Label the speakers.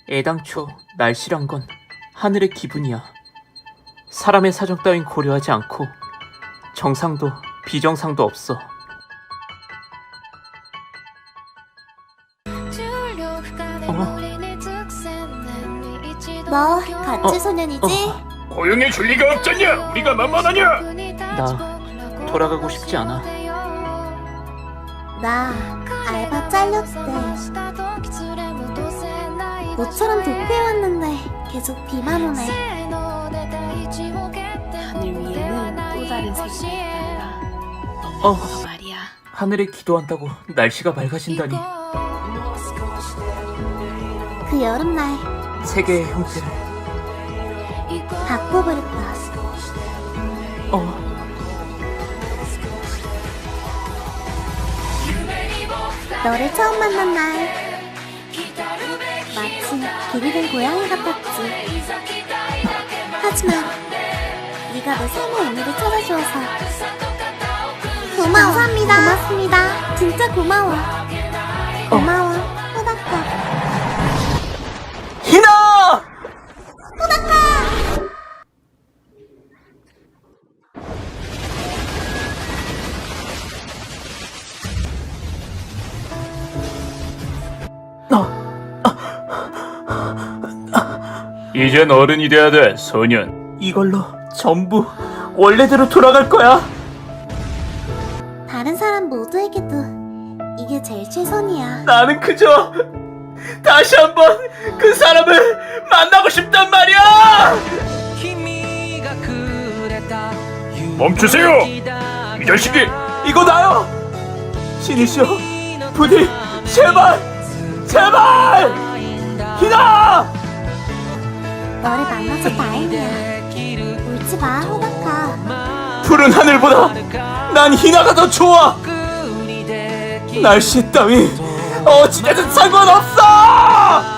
Speaker 1: 애당초 날씨란 건 하늘의 기분이야. 사람의 사정 따윈 고려하지 않고 정상도 비정상도 없어.
Speaker 2: 너 같이 소년이지?
Speaker 3: 고용해 줄 리가 없잖냐? 우리가 만만하냐?
Speaker 1: 나 돌아가고 싶지 않아.
Speaker 2: 나 알바 잘렸대. 너처럼 도쿄해왔는데 계속 비만 오네.
Speaker 4: 하늘 위에는 또 다른 색이 있단다. 말이야.
Speaker 1: 하늘에 기도한다고 날씨가 맑아진다니.
Speaker 2: 그 여름날
Speaker 1: 세계의 형태를.
Speaker 2: 바꿔버렸다. 너를 처음 만난 날 마치 길이 된 고양이 같았지. 하지만 네가 내 삶의 의미를 찾아주어서 고마워. 감사합니다. 고맙습니다. 진짜 고마워. 고마워. 호박가.
Speaker 1: 희나!
Speaker 3: 이젠 어른이 돼야 돼, 소년.
Speaker 1: 이걸로 전부 원래대로 돌아갈 거야.
Speaker 2: 다른 사람 모두에게도 이게 제일 최선이야.
Speaker 1: 나는 그저 다시 한번 그 사람을 만나고 싶단 말이야.
Speaker 3: 멈추세요! 이 자식이!
Speaker 1: 이거 나요. 신이시여, 부디 제발, 제발! 희나!
Speaker 2: 너를 만나서 다행이야. 울지 마, 호박아.
Speaker 1: 푸른 하늘보다 난 희나가 더 좋아. 날씨 따위 어찌되든 상관없어.